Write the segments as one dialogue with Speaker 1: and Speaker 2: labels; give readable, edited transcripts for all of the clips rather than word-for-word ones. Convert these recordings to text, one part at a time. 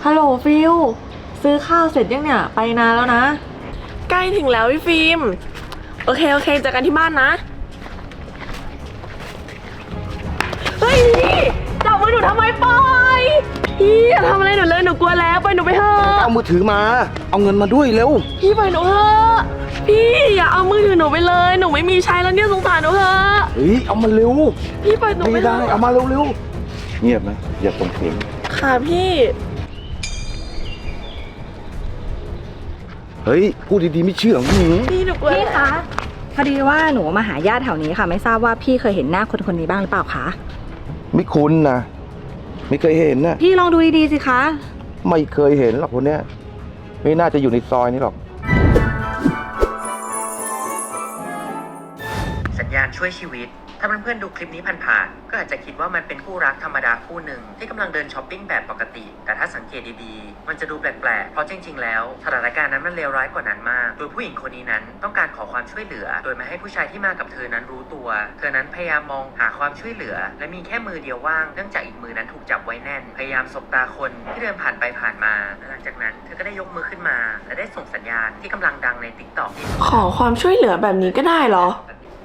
Speaker 1: ฮัลโหลฟิลซื้อข้าวเสร็จยังเนี่ยไปนานแล้วนะ
Speaker 2: ใกล้ถึงแล้วพี่ฟิล์มโอเคเจอกันที่บ้านนะเฮ้ยพี่จับมือหนูทำไมปล่อยพี่อย่าทำอะไรหนูเลยหนูกลัวแล้วปล่อยหนูไปเถอะ
Speaker 3: เอามือถือมาเอาเงินมาด้วยเร็ว
Speaker 2: พี่ปล่อยหนูเถอะพี่อย่าเอามือถือหนูไปเลยหนูไม่มีใช้แล้วเนี่ยสงสารหนูเถอะ
Speaker 3: เฮ้ยเอามาเร็ว
Speaker 2: พี่ปล่อยหนูไป
Speaker 3: ไม่ได้เอามาเร็วเงียบนะอย่าส่งเสียง
Speaker 2: ค่ะพี่
Speaker 3: เฮ้ยพูดดีๆไม่เชื่อ
Speaker 2: พี่หนูกลัว
Speaker 1: พี่คะพอดีว่าหนูมาหาญาติแถวนี้ค่ะไม่ทราบว่าพี่เคยเห็นหน้าคนนี้บ้างหรือเปล่าคะ
Speaker 3: ไม่คุ้นนะไม่เคยเห็นนะ
Speaker 1: พี่ลองดูดีๆสิคะ
Speaker 3: ไม่เคยเห็นหรอกคนเนี้ยไม่น่าจะอยู่ในซอยนี้หรอก
Speaker 4: สัญญาณช่วยชีวิตถ้าเพื่อนๆดูคลิปนี้ผ่านๆก็อาจจะคิดว่ามันเป็นคู่รักธรรมดาคู่หนึ่งที่กำลังเดินช้อปปิ้งแบบปกติแต่ถ้าสังเกตดีๆมันจะดูแปลกๆเพราะจริงๆแล้วสถานการณ์นั้นมันเลวร้ายกว่านั้นมากโดยผู้หญิงคนนี้นั้นต้องการขอความช่วยเหลือโดยไม่ให้ผู้ชายที่มากับเธอนั้นรู้ตัวเธอนั้นพยายามมองหาความช่วยเหลือและมีแค่มือเดียวว่างเนื่องจากอีกมือนั้นถูกจับไว้แน่นพยายามสบตาคนที่เดินผ่านไปผ่านมาหลังจากนั้นเธอก็ได้ยกมือขึ้นมาและได้ส่งสัญญาณที่กำลังดังใน TikTok
Speaker 2: ขอความช่วยเหลือแบบนี้ก็ได้เหรอ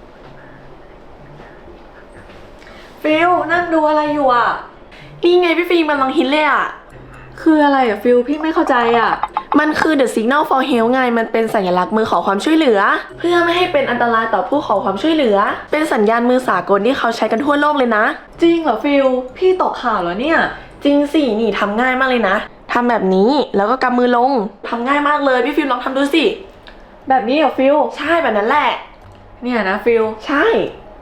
Speaker 1: ฟิลนั่งดูอะไรอยู่อ่ะ
Speaker 2: นี่ไงพี่ฟิล์มกำลังฮิตเลยอ่ะ
Speaker 1: คืออะไรอ่ะฟิลพี่ไม่เข้าใจอ่ะ
Speaker 2: มันคือ The Signal for Help ไงมันเป็นสัญลักษณ์มือขอความช่วยเหลือเพื่อไม่ให้เป็นอันตรายต่อผู้ขอความช่วยเหลือเป็นสัญญาณมือสากลที่เขาใช้กันทั่วโลกเลยนะ
Speaker 1: จริงเหรอฟิลพี่ตกข่าวเหรอเนี่ย
Speaker 2: จริงสินี่ทำง่ายมากเลยนะทำแบบนี้แล้วก็กำมือลงทำง่ายมากเลยพี่ฟิล์มลองทำดูสิ
Speaker 1: แบบนี้เหรอฟิล
Speaker 2: ใช่แบบนั้นแหละ
Speaker 1: เนี่ยนะฟิล
Speaker 2: ใช่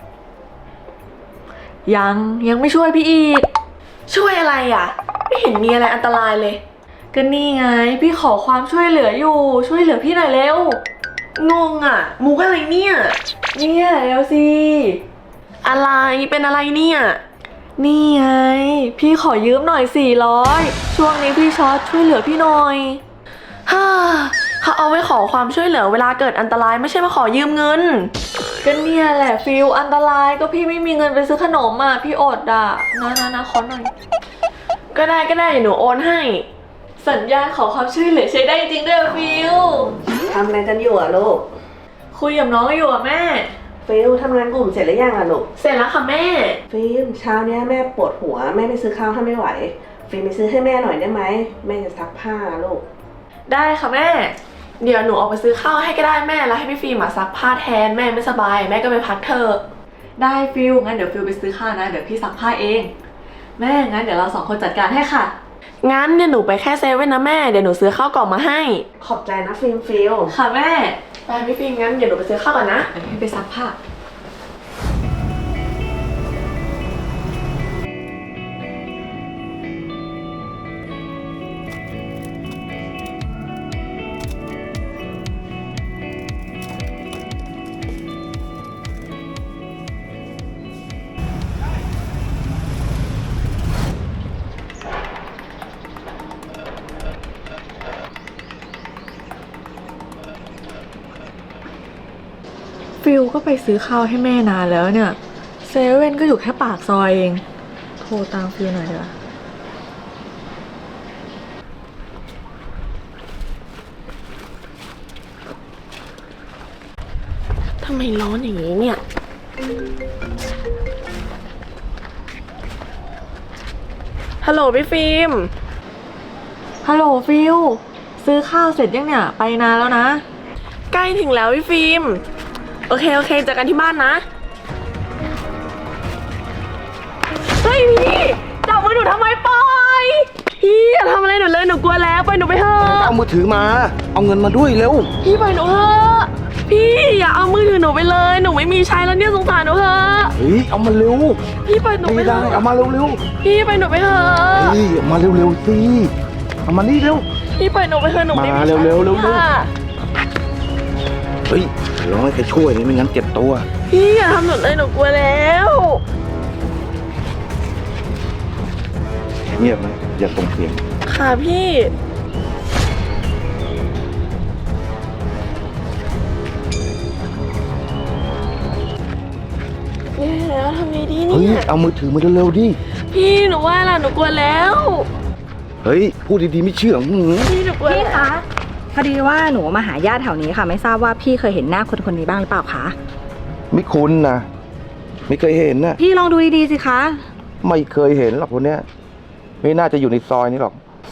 Speaker 1: ยังไม่ช่วยพี่อีก
Speaker 2: ช่วยอะไรอ่ะไม่เห็นมีอะไรอันตรายเลย
Speaker 1: ก็นี่ไงพี่ขอความช่วยเหลืออยู่ช่วยเหลือพี่หน่อยเร็ว
Speaker 2: งงอ่ะมุกอะไรเนี่ย
Speaker 1: เร็วสิ
Speaker 2: อะไรเป็นอะไรเนี่ย
Speaker 1: นี่ไงพี่ขอยืมหน่อย400ช่วงนี้พี่ช็อตช่วยเหลือพี่หน่อย
Speaker 2: ฮ่าเขาเอาไว้ขอความช่วยเหลือเวลาเกิดอันตรายไม่ใช่มาขอยืมเงิน
Speaker 1: ก็เนี่ยแหละฟิลอันตรายก็พี่ไม่มีเงินไปซื้อขนมอ่ะพี่อดอ่ะนะขอหน่อย
Speaker 2: ก็ได้เดี๋ยวหนูโอนให้
Speaker 1: สัญญาณขอความช่วยเหลือใช้ได้จริงด้วยฟิล
Speaker 5: ทำอะไรกันอยู่อะลูก
Speaker 1: คุยกับน้องอยู่อ่ะแม่
Speaker 5: ฟิลทำงานกลุ่มเสร็จหรือยังอะลูก
Speaker 2: เสร็จแล้วค่ะแม่
Speaker 5: ฟิลเช้านี้แม่ปวดหัวแม่ไม่ซื้อข้าวถ้าไม่ไหวฟิลไปซื้อให้แม่หน่อยได้ไหมแม่จะซักผ้าลูก
Speaker 1: ได้ค่ะแม่
Speaker 2: เดี๋ยวหนูออกไปซื้อข้าวให้ก็ได้แม่แล้วให้พี่ฟิล์มซักผ้าแทนแม่ไม่สบายแม่ก็ไปพักเถอะ
Speaker 1: ได้ฟิลงั้นเดี๋ยวฟิลไปซื้อข้าวนะเดี๋ยวพี่ซักผ้าเองแม่งั้นเดี๋ยวเรา2 คนจัดการให้ค่ะ
Speaker 2: งั้นเดี๋ยวหนูไปแค่เซเว่นนะแม่เดี๋ยวหนูซื้อข้าวกล่องมาให้
Speaker 5: ขอบใจนะฟิล
Speaker 1: ค่ะแม่
Speaker 2: ไปพี่ฟิล์มงั้นเดี๋ยวหนูไปซื้อข้าวก่อนนะ
Speaker 1: เดี๋ยวพี่ไปซักผ้าฟิลก็ไปซื้อข้าวให้แม่นานแล้วเนี่ยเซเว่นก็อยู่แค่ปากซอยเองโทรตามฟิลหน่อยเถอะ
Speaker 2: ทำไมร้อนอย่างนี้เนี่ยฮัลโหลพี่ฟิล์ม
Speaker 1: ฮัลโหลฟิลซื้อข้าวเสร็จยังเนี่ยไปนานแล้วนะ
Speaker 2: ใกล้ถึงแล้วพี่ฟิล์มโอเคเจอกันที่บ้านนะเฮ้ยพี่จับมือหนูทำไมปล่อยพี่อย่าทำอะไรหนูเลยหนูกลัวแล้วปล่อยหนูไปเถอะ
Speaker 3: เอามือถือมาเอาเงินมาด้วยเร็ว
Speaker 2: พี่ปล่อยหนูเถอะพี่อย่าเอามือถือหนูไปเลยหนูไม่มีใช้แล้วเนี่ยสงสารหนูเถอะ
Speaker 3: เฮ้ยเอามาเร็ว
Speaker 2: พี่ปล่อยหนูไปเถอะ
Speaker 3: ไม่ได้เอามาเร็ว
Speaker 2: พี่ปล่อยหนูไปเถอะ
Speaker 3: เฮ้ยมาเร็วสิเอามานี่เร็ว
Speaker 2: พี่ปล่อยหนูไปเถอะหนูไม่มีใช้
Speaker 3: เร็วเฮ้ยร้องให้ใครช่วยนี่ไม่งั้นเจ็บตัว
Speaker 2: พี่อย่าทำหนูเลยหนูกลัวแล้ว
Speaker 3: เงียบนะอย่าส่งเสียง
Speaker 2: ค่ะพี่แล้วทำไงดีเนี่ย
Speaker 3: เฮ้ยเอามือถือมาเร็วๆดิ
Speaker 2: พี่หนูว่าล่ะหนูกลัวแล้ว
Speaker 3: เเฮ้ย พูดดีๆไม่เชื่อหือ
Speaker 2: พี่หนูกลัว
Speaker 6: พี่คะพอดีว่าหนูมาหาญาติแถวนี้ค่ะ ไม่ทราบว่าพี่เคยเห็นหน้าคนคนนี้บ้างหรือเปล่าคะ
Speaker 3: ไม่คุ้นนะ ไม่เคยเห็นนะ
Speaker 6: พี่ลองดูดีๆสิคะ
Speaker 3: ไม่เคยเห็นหรอกคนเนี้ย ไม่น่าจะอยู่ในซอยนี้หรอก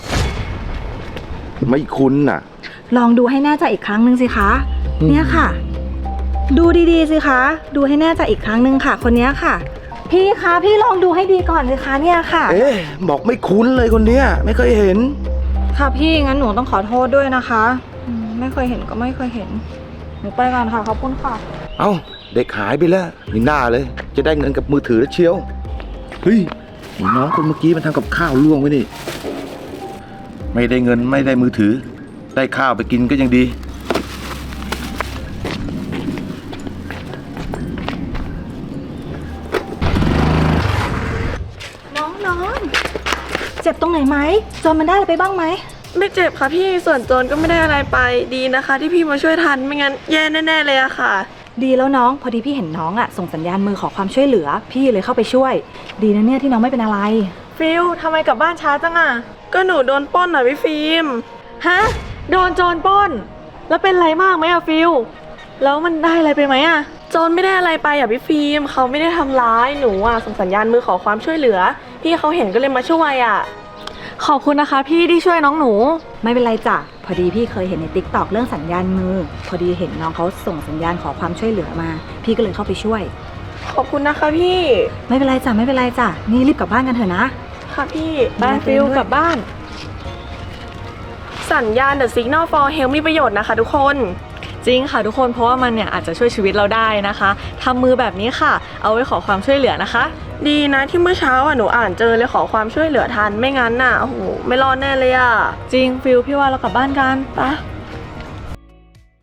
Speaker 3: ไม่คุ้นน่ะ
Speaker 6: ลองดูให้แน่ใจอีกครั้งหนึ่งสิคะ
Speaker 3: อืม
Speaker 6: เนี่ยค่ะ ดูดีๆสิคะ ดูให้แน่ใจอีกครั้งหนึ่งค่ะ คนเนี้ยค่ะ พี่คะพี่ลองดูให้ดีก่อนสิคะเนี่ยค่ะ
Speaker 3: เอ๊ะบอกไม่คุ้นเลยคนเนี้ย ไม่เคยเห็น
Speaker 6: ค่ะพี่งั้นหนูต้องขอโทษด้วยนะคะไม่เคยเห็นก็ไม่เคยเห็นหนูไปก่อนค่ะขอบคุณค่ะ
Speaker 3: เอ้า เด็กหายไปแล้วนี่หน้าเลย จะได้เงินกับมือถือแล้วเชียว เฮ้ยไอ้น้องคนเมื่อกี้มันทำกับข้าวล่วงไว้นี่ ไม่ได้เงินไม่ได้มือถือ ได้ข้าวไปกินก็ยังดี
Speaker 6: น้องเจ็บตรงไหนไหมจนมันได้อะไรไปบ้างไหม
Speaker 2: ไม่เจ็บค่ะพี่ส่วนโจรก็ไม่ได้อะไรไปดีนะคะ ที่พี่มาช่วยทันไม่งั้นแย่แน่ๆเลยอะค่ะ
Speaker 6: ดีแล้วน้องพอดีพี่เห็นน้องอะส่งสัญญาณมือขอความช่วยเหลือ พี่เลยเข้าไปช่วย ดีนะเนี่ยที่น้องไม่เป็นอะไร
Speaker 1: ฟิลทำไมกลับบ้านช้าจังอะ
Speaker 2: ก็หนูโดนปล้นอ่ะพี่ฟิล์ม
Speaker 1: ฮะ โดนโจรปล้น แล้วเป็นไรมากไหมอะฟิลแล้วมันได้อะไรไปไหมอะ
Speaker 2: โจรไม่ได้อะไรไปอ่ะพี่ฟิล์มเขาไม่ได้ทำร้ายหนูอ่ะส่งสัญญาณมือขอความช่วยเหลือพี่เขาเห็นก็เลยมาช่วยอ่ะ
Speaker 1: ขอบคุณนะคะพี่ที่ช่วยน้องหนู
Speaker 6: ไม่เป็นไรจ้ะพอดีพี่เคยเห็นในติ๊กต็อกเรื่องสัญญาณมือ พอดีเห็นน้องเขาส่งสัญญาณขอความช่วยเหลือมา พี่ก็เลยเข้าไปช่วย
Speaker 2: ขอบคุณนะคะพี่
Speaker 6: ไม่เป็นไรจ้ะไม่เป็นไรจ้ะนี่รีบกลับบ้านกันเถอะนะ
Speaker 2: ค่ะพี่
Speaker 1: ไปฟิลกลับบ้าน
Speaker 2: สัญญาณ The Signal for Help มีประโยชน์นะคะทุกคน
Speaker 1: จริงค่ะทุกคนเพราะว่ามันเนี่ยอาจจะช่วยชีวิตเราได้นะคะทำมือแบบนี้ค่ะ เอาไว้ขอความช่วยเหลือนะคะ
Speaker 2: ดีนะที่เมื่อเช้าอ่ะหนูอ่านเจอเลยขอความช่วยเหลือทันไม่งั้นน่ะโอ้โหไม่รอดแน่เลยอ่ะ
Speaker 1: จริงฟิลพี่ว่าเรากลับบ้านกัน
Speaker 2: ไป